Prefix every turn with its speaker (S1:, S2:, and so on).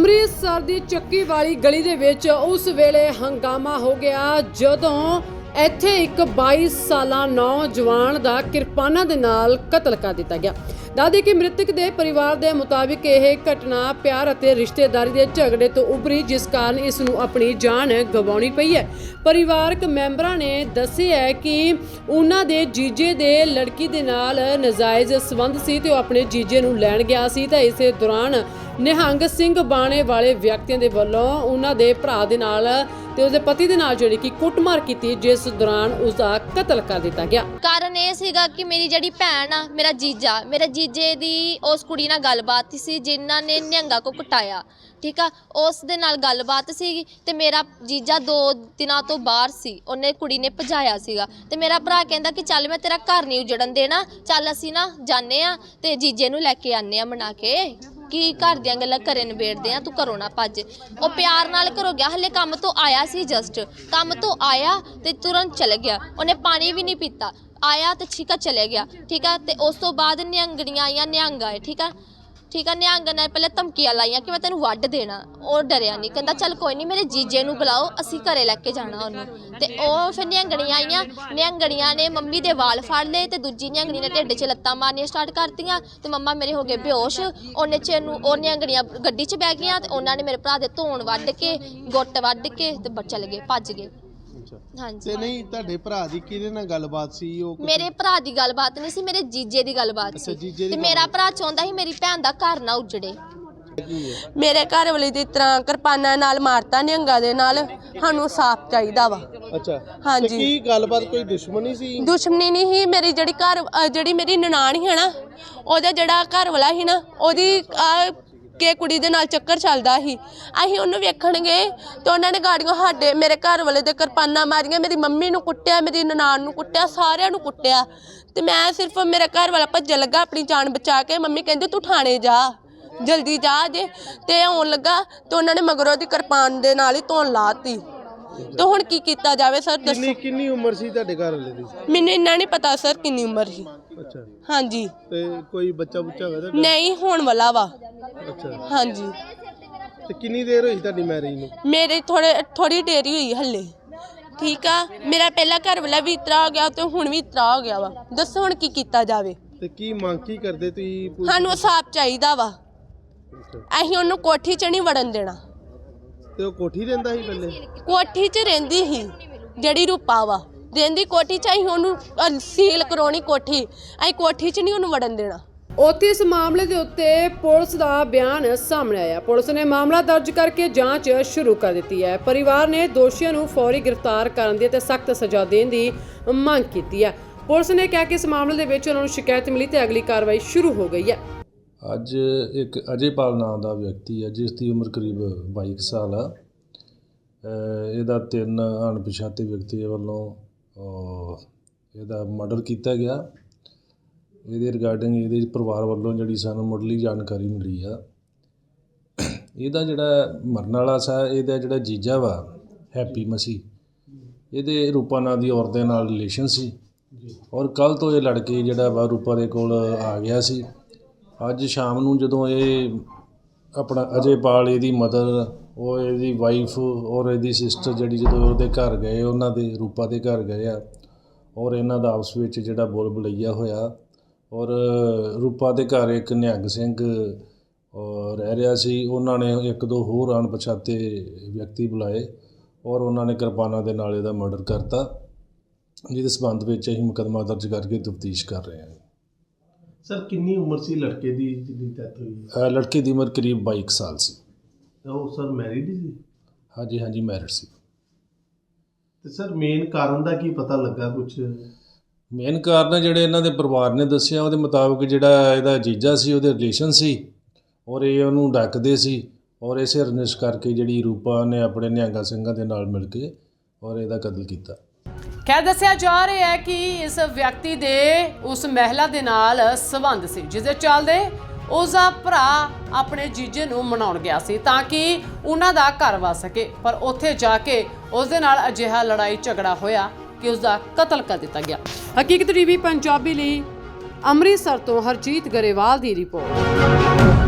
S1: ਅੰਮ੍ਰਿਤਸਰ ਦੀ ਚੱਕੀ ਵਾਲੀ ਗਲੀ ਦੇ ਵਿੱਚ ਉਸ ਵੇਲੇ ਹੰਗਾਮਾ ਹੋ ਗਿਆ ਜਦੋਂ ਇੱਥੇ ਇੱਕ 22 ਸਾਲਾ ਨੌਜਵਾਨ ਦਾ ਕਿਰਪਾਨਾਂ ਦੇ ਨਾਲ ਕਤਲ ਕਰ ਦਿੱਤਾ ਗਿਆ। ਦੱਸਦੇ ਕਿ ਮ੍ਰਿਤਕ ਦੇ ਪਰਿਵਾਰ ਦੇ ਮੁਤਾਬਿਕ ਇਹ ਘਟਨਾ ਪਿਆਰ ਅਤੇ ਰਿਸ਼ਤੇਦਾਰੀ ਦੇ ਝਗੜੇ ਤੋਂ ਉਭਰੀ, ਜਿਸ ਕਾਰਨ ਇਸ ਨੂੰ ਆਪਣੀ ਜਾਨ ਗਵਾਉਣੀ ਪਈ ਹੈ। ਪਰਿਵਾਰਕ ਮੈਂਬਰਾਂ ਨੇ ਦੱਸਿਆ ਹੈ ਕਿ ਉਹਨਾਂ ਦੇ ਜੀਜੇ ਦੇ ਲੜਕੀ ਦੇ ਨਾਲ ਨਾਜਾਇਜ਼ ਸੰਬੰਧ ਸੀ ਤੇ ਉਹ ਆਪਣੇ ਜੀਜੇ ਨੂੰ ਲੈਣ ਗਿਆ ਸੀ ਤਾਂ ਇਸੇ ਦੌਰਾਨ ਨਿਹੰਗ ਸਿੰਘ ਬਾਣੇ ਵਾਲੇ ਵਿਅਕਤੀਆਂ ਦੇ ਵੱਲੋਂ ਉਹਨਾਂ ਦੇ ਭਰਾ ਦੇ ਨਾਲ ਤੇ ਉਸਦੇ ਪਤੀ ਦੇ ਨਾਲ ਜਿਹੜੀ ਕਿ ਕੁੱਟਮਾਰ ਕੀਤੀ, ਜਿਸ ਦੌਰਾਨ ਉਸਦਾ ਕਤਲ ਕਰ ਦਿੱਤਾ ਗਿਆ।
S2: ਕਾਰਨ ਇਹ ਸੀਗਾ ਕਿ ਮੇਰੀ ਜਿਹੜੀ ਭੈਣ ਆ, ਮੇਰੇ ਜੀਜੇ ਦੀ ਉਸ ਕੁੜੀ ਨਾਲ ਗੱਲਬਾਤ ਸੀ ਜਿਨ੍ਹਾਂ ਨੇ ਨਿਹੰਗਾ ਕੋ ਕੁਟਾਇਆ, ਠੀਕ ਆ। ਉਸ ਦੇ ਨਾਲ ਗੱਲਬਾਤ ਸੀ ਤੇ ਮੇਰਾ ਜੀਜਾ 2 ਦਿਨਾਂ ਤੋਂ ਬਾਹਰ ਸੀ, ਉਹਨੇ ਕੁੜੀ ਨੇ ਭਜਾਇਆ ਸੀਗਾ ਤੇ ਮੇਰਾ ਭਰਾ ਕਹਿੰਦਾ ਕਿ ਚੱਲ ਮੈਂ ਤੇਰਾ ਘਰ ਨਹੀਂ ਉਜੜਨ ਦੇਣਾ, ਚੱਲ ਅਸੀਂ ਨਾ ਜਾਣੇ ਆ ਤੇ ਜੀਜੇ ਨੂੰ ਲੈ ਕੇ ਆਨੇ ਆ ਮਨਾ ਕੇ ਕਿ ਘਰ ਦੀਆਂ ਗੱਲਾਂ ਘਰੇ ਨਿਬੇੜਦੇ ਆ, ਤੂੰ ਘਰੋਂ ਨਾ ਭੱਜ। ਉਹ ਪਿਆਰ ਨਾਲ ਘਰੋਂ ਗਿਆ, ਹਲੇ ਕੰਮ ਤੋਂ ਆਇਆ ਸੀ, ਜਸਟ ਕੰਮ ਤੋਂ ਆਇਆ ਤੇ ਤੁਰੰਤ ਚਲੇ ਗਿਆ। ਉਹਨੇ ਪਾਣੀ ਵੀ ਨਹੀਂ ਪੀਤਾ, ਆਇਆ ਤੇ ਠੀਕ ਆ ਚਲੇ ਗਿਆ, ਠੀਕ ਆ। ਤੇ ਉਸ ਤੋਂ ਬਾਅਦ ਨਿਹੰਗਣੀਆਂ ਆਈਆਂ, ਨਿਹੰਗ ਆਏ, ਠੀਕ ਆ। ਨਿਹੰਗ ਨੇ ਪਹਿਲੇ ਧਮਕੀਆਂ ਲਾਈਆਂ ਕਿ ਮੈਂ ਤੈਨੂੰ ਵੱਢ ਦੇਣਾ। ਉਹ ਡਰਿਆ ਨਹੀਂ, ਕਹਿੰਦਾ ਚੱਲ ਕੋਈ ਨਹੀਂ, ਮੇਰੇ ਜੀਜੇ ਨੂੰ ਬੁਲਾਓ, ਅਸੀਂ ਘਰੇ ਲੈ ਕੇ ਜਾਣਾ ਉਹਨੂੰ। ਤੇ ਉਹ ਫਿਰ ਨਿਹੰਗਣੀਆਂ ਆਈਆਂ, ਨਿਹੰਗਣੀਆਂ ਨੇ ਮੰਮੀ ਦੇ ਵਾਲ ਫੜ ਲਏ ਤੇ ਦੂਜੀ ਨਿਹੰਗਣੀ ਨੇ ਢਿੱਡ 'ਚ ਲੱਤਾਂ ਮਾਰਨੀਆਂ ਸਟਾਰਟ ਕਰਤੀਆਂ ਤੇ ਮੰਮਾ ਮੇਰੇ ਹੋ ਗਏ ਬੇਹੋਸ਼। ਉਹਨੇ 'ਚ ਨੂੰ ਉਹ ਨਿਹੰਗਣੀਆਂ ਗੱਡੀ 'ਚ ਬਹਿ ਗਈਆਂ ਤੇ ਉਹਨਾਂ ਨੇ ਮੇਰੇ ਭਰਾ ਦੇ ਧੌਣ ਵੱਢ ਕੇ, ਗੁੱਟ ਵੱਢ ਕੇ ਤੇ ਚਲੇ ਗਏ, ਭੱਜ ਗਏ। ਹਾਂਜੀ। ਤੇ
S3: ਨਹੀਂ ਤੁਹਾਡੇ ਭਰਾ ਦੀ ਕਿਹਦੇ ਨਾਲ ਗੱਲਬਾਤ ਸੀ? ਉਹ
S2: ਮੇਰੇ ਭਰਾ ਦੀ ਗੱਲਬਾਤ ਨਹੀਂ ਸੀ, ਮੇਰੇ ਜੀਜੇ ਦੀ ਗੱਲਬਾਤ ਸੀ ਤੇ ਮੇਰਾ ਭਰਾ ਚਾਹੁੰਦਾ ਸੀ ਮੇਰੀ ਭੈਣ ਦਾ ਘਰ ਨਾ ਉਜੜੇ।
S4: ਮੇਰੇ ਘਰ ਵਾਲੇ ਦੀ ਤਰ੍ਹਾਂ ਕਿਰਪਾਨਾਂ ਨਾਲ ਮਾਰਤਾ ਨਿਹੰਗਾਂ ਦੇ ਨਾਲ, ਸਾਨੂੰ ਸਾਫ਼ ਚਾਹੀਦਾ ਵਾ।
S3: ਅੱਛਾ,
S4: ਹਾਂਜੀ।
S3: ਕੀ ਗੱਲਬਾਤ ਕੋਈ ਦੁਸ਼ਮਣੀ ਸੀ?
S4: ਦੁਸ਼ਮਣੀ ਨਹੀਂ ਸੀ। ਮੇਰੀ ਜਿਹੜੀ ਮੇਰੀ ਨਨਾਣ ਸੀ ਨਾ, ਉਹਦਾ ਜਿਹੜਾ ਘਰ ਵਾਲਾ ਸੀ ਨਾ, ਉਹਦੀ ਕਿ ਕੁੜੀ ਦੇ ਨਾਲ ਚੱਕਰ ਚੱਲਦਾ ਸੀ। ਅਸੀਂ ਉਹਨੂੰ ਵੇਖਣ ਗਏ ਤੇ ਉਹਨਾਂ ਨੇ ਗਾੜੀਆਂ ਮੇਰੇ ਘਰ ਵਾਲੇ ਦੇ ਕਿਰਪਾਨਾਂ ਮਾਰੀਆਂ, ਮੇਰੀ ਮੰਮੀ ਨੂੰ ਕੁੱਟਿਆ, ਮੇਰੀ ਨਨਾਣ ਨੂੰ ਕੁੱਟਿਆ, ਸਾਰਿਆਂ ਨੂੰ ਕੁੱਟਿਆ। ਤੇ ਮੈਂ ਸਿਰਫ ਮੇਰਾ ਘਰ ਵਾਲਾ ਭੱਜਣ ਲੱਗਾ ਆਪਣੀ ਜਾਨ ਬਚਾ ਕੇ। ਮੰਮੀ ਕਹਿੰਦੀ ਤੂੰ ਥਾਣੇ ਜਾ, ਜਲਦੀ ਜਾ ਜੇ। ਤੇ ਆਉਣ ਲੱਗਾ ਤੇ ਉਹਨਾਂ ਨੇ ਮਗਰੋਂ ਦੀ ਕਿਰਪਾਨ ਦੇ ਨਾਲ ਹੀ ਧੌਣ ਲਾਤੀ। ਤੇ ਹੁਣ ਕੀ ਕੀਤਾ ਜਾਵੇ ਸਰ, ਦੱਸੋ।
S3: ਕਿੰਨੀ ਉਮਰ ਸੀ ਤੁਹਾਡੇ ਘਰ ਵਾਲੇ ਦੀ?
S4: ਮੈਨੂੰ ਇੰਨਾ ਨਹੀਂ ਪਤਾ ਸਰ ਕਿੰਨੀ ਉਮਰ ਸੀ।
S3: ਅੱਛਾ।
S4: ਹਾਂਜੀ।
S3: ਤੇ ਕੋਈ ਬੱਚਾ ਬੁੱਚਾ ਹੋਇਆ?
S4: ਨਹੀਂ, ਹੋਣ ਵਾਲਾ ਵਾ।
S3: ਅੱਛਾ।
S4: ਹਾਂਜੀ।
S3: ਤੇ ਕਿੰਨੀ ਦੇਰ ਹੋਈ ਤੁਹਾਡੀ ਮੈਰਿਜ ਨੂੰ?
S4: ਮੇਰੇ ਥੋੜੀ ਦੇਰ ਹੀ ਹੋਈ ਹੱਲੇ, ਠੀਕ ਆ। ਮੇਰਾ ਪਹਿਲਾ ਘਰ ਵਾਲਾ ਵੀ ਇਤਰਾ ਹੋ ਗਿਆ ਤੇ ਹੁਣ ਵੀ ਇਤਰਾ ਹੋ ਗਿਆ ਵਾ। ਦੱਸੋ ਹੁਣ ਕੀ ਕੀਤਾ ਜਾਵੇ।
S3: ਤੇ ਕੀ ਮੰਗ ਕੀ ਕਰਦੇ ਤੁਸੀਂ?
S4: ਸਾਨੂੰ ਸਾਫ਼ ਚਾਹੀਦਾ ਵਾ। ਅਸੀਂ ਉਹਨੂੰ ਕੋਠੀ 'ਚ ਨਹੀਂ ਵੜਨ ਦੇਣਾ।
S3: ਤੇ ਉਹ ਕੋਠੀ ਰਹਿੰਦਾ ਸੀ ਪਹਿਲੇ?
S4: ਕੋਠੀ 'ਚ ਰਹਿੰਦੀ ਸੀ, ਜਿਹੜੀ ਰੂਪਾ ਵਾ ਰਹਿੰਦੀ ਕੋਠੀ 'ਚ। ਅਸੀਂ ਉਹਨੂੰ ਸੀਲ ਕਰਾਉਣੀ ਕੋਠੀ, ਅਸੀਂ ਕੋਠੀ 'ਚ ਨਹੀਂ ਉਹਨੂੰ ਵੜਨ ਦੇਣਾ।
S1: ਉੱਥੇ ਇਸ ਮਾਮਲੇ ਦੇ ਉੱਤੇ ਪੁਲਿਸ ਦਾ ਬਿਆਨ ਸਾਹਮਣੇ ਆਇਆ। ਪੁਲਿਸ ਨੇ ਮਾਮਲਾ ਦਰਜ ਕਰਕੇ ਜਾਂਚ ਸ਼ੁਰੂ ਕਰ ਦਿੱਤੀ ਹੈ। ਪਰਿਵਾਰ ਨੇ ਦੋਸ਼ੀਆਂ ਨੂੰ ਫੌਰੀ ਗ੍ਰਿਫਤਾਰ ਕਰਨ ਦੀ ਅਤੇ ਸਖਤ ਸਜ਼ਾ ਦੇਣ ਦੀ ਮੰਗ ਕੀਤੀ ਹੈ। ਪੁਲਿਸ ਨੇ ਕਿਹਾ ਕਿ ਇਸ ਮਾਮਲੇ ਦੇ ਵਿੱਚ ਉਹਨਾਂ ਨੂੰ ਸ਼ਿਕਾਇਤ ਮਿਲੀ ਤੇ ਅਗਲੀ ਕਾਰਵਾਈ ਸ਼ੁਰੂ ਹੋ ਗਈ ਹੈ।
S5: ਅੱਜ ਇੱਕ ਅਜੇਪਾਲ ਨਾਮ ਦਾ ਵਿਅਕਤੀ ਹੈ ਜਿਸ ਦੀ ਉਮਰ ਕਰੀਬ 22 ਸਾਲ ਆ। ਇਹਦਾ 3 ਅਣਪਛਾਤੇ ਵਿਅਕਤੀਆਂ ਵੱਲੋਂ ਇਹਦਾ ਮਰਡਰ ਕੀਤਾ ਗਿਆ। ਇਹਦੇ ਰਿਗਾਰਡਿੰਗ ਇਹਦੇ ਪਰਿਵਾਰ ਵੱਲੋਂ ਜਿਹੜੀ ਸਾਨੂੰ ਮੁੱਢਲੀ ਜਾਣਕਾਰੀ ਮਿਲੀ ਆ, ਇਹਦਾ ਜਿਹੜਾ ਮਰਨ ਵਾਲਾ ਸੀ, ਇਹਦਾ ਜਿਹੜਾ ਜੀਜਾ ਵਾ ਹੈਪੀ ਮਸੀਹ, ਇਹਦੇ ਰੂਪਾ ਨਾਂ ਦੀ ਔਰਤ ਦੇ ਨਾਲ ਰਿਲੇਸ਼ਨ ਸੀ ਔਰ ਕੱਲ੍ਹ ਤੋਂ ਇਹ ਲੜਕੇ ਜਿਹੜਾ ਵਾ ਰੂਪਾ ਦੇ ਕੋਲ ਆ ਗਿਆ ਸੀ। ਅੱਜ ਸ਼ਾਮ ਨੂੰ ਜਦੋਂ ਇਹ ਆਪਣਾ ਅਜੇਪਾਲ, ਇਹਦੀ ਮਦਰ, ਉਹ ਇਹਦੀ ਵਾਈਫ ਔਰ ਇਹਦੀ ਸਿਸਟਰ ਜਿਹੜੀ ਜਦੋਂ ਉਹਦੇ ਘਰ ਗਏ, ਉਹਨਾਂ ਦੇ ਰੂਪਾ ਦੇ ਘਰ ਗਏ ਆ ਔਰ ਇਹਨਾਂ ਦਾ ਆਪਸ ਵਿੱਚ ਜਿਹੜਾ ਬੋਲ ਬਲਈਆ ਹੋਇਆ ਔਰ ਰੂਪਾ ਦੇ ਘਰ ਇੱਕ ਨਿਹੰਗ ਸਿੰਘ ਰਹਿ ਰਿਹਾ ਸੀ। ਉਹਨਾਂ ਨੇ 1-2 ਹੋਰ ਅਣਪਛਾਤੇ ਵਿਅਕਤੀ ਬੁਲਾਏ ਔਰ ਉਹਨਾਂ ਨੇ ਕਿਰਪਾਨਾਂ ਦੇ ਨਾਲ ਇਹਦਾ ਮਰਡਰ ਕਰਤਾ, ਜਿਹਦੇ ਸਬੰਧ ਵਿੱਚ ਅਸੀਂ ਮੁਕੱਦਮਾ ਦਰਜ ਕਰਕੇ ਤਫਤੀਸ਼ ਕਰ ਰਹੇ ਹਾਂ।
S3: ਸਰ, ਕਿੰਨੀ ਉਮਰ ਸੀ ਲੜਕੇ ਦੀ ਜਿਹਦੀ ਡੈਥ ਹੋਈ?
S5: ਲੜਕੇ ਦੀ ਉਮਰ ਕਰੀਬ 22 ਸਾਲ ਸੀ।
S3: ਉਹ ਸਰ ਮੈਰਿਡ ਸੀ?
S5: ਹਾਂਜੀ, ਮੈਰਿਡ ਸੀ।
S3: ਤੇ ਸਰ ਮੇਨ ਕਾਰਨ ਦਾ ਕੀ ਪਤਾ ਲੱਗਾ ਕੁਝ?
S5: ਮੇਨ ਕਾਰਨ ਜਿਹੜੇ ਇਹਨਾਂ ਦੇ ਪਰਿਵਾਰ ਨੇ ਦੱਸਿਆ ਉਹਦੇ ਮੁਤਾਬਕ ਜਿਹੜਾ ਇਹਦਾ ਜੀਜਾ ਸੀ, ਉਹਦੇ ਰਿਲੇਸ਼ਨ ਸੀ ਔਰ ਇਹ ਉਹਨੂੰ ਡੱਕਦੇ ਸੀ ਔਰ ਇਸੇ ਰੰਜਿਸ਼ ਕਰਕੇ ਜਿਹੜੀ ਰੂਪਾ ਨੇ ਆਪਣੇ ਨਿਹੰਗਾ ਸਿੰਘਾਂ ਦੇ ਨਾਲ ਮਿਲ ਕੇ ਔਰ ਇਹਦਾ ਕਤਲ ਕੀਤਾ।
S1: ਖੈਰ ਦੱਸਿਆ ਜਾ ਰਿਹਾ ਹੈ ਕਿ ਇਸ ਵਿਅਕਤੀ ਦੇ ਉਸ ਮਹਿਲਾ ਦੇ ਨਾਲ ਸੰਬੰਧ ਸੀ, ਜਿਸ ਦੇ ਚੱਲਦੇ ਉਸਦਾ ਭਰਾ ਆਪਣੇ ਜੀਜੇ ਨੂੰ ਮਨਾਉਣ ਗਿਆ ਸੀ ਤਾਂ ਕਿ ਉਹਨਾਂ ਦਾ ਘਰ ਵਸ ਸਕੇ, ਪਰ ਉੱਥੇ ਜਾ ਕੇ ਉਸ ਦੇ ਨਾਲ ਅਜਿਹਾ ਲੜਾਈ ਝਗੜਾ ਹੋਇਆ ਕਿ ਉਸਦਾ ਕਤਲ ਕਰ ਦਿੱਤਾ ਗਿਆ। ਹਕੀਕਤ ਟੀਵੀ ਪੰਜਾਬੀ ਲਈ ਅੰਮ੍ਰਿਤਸਰ ਤੋਂ ਹਰਜੀਤ ਗਰੇਵਾਲ ਦੀ ਰਿਪੋਰਟ।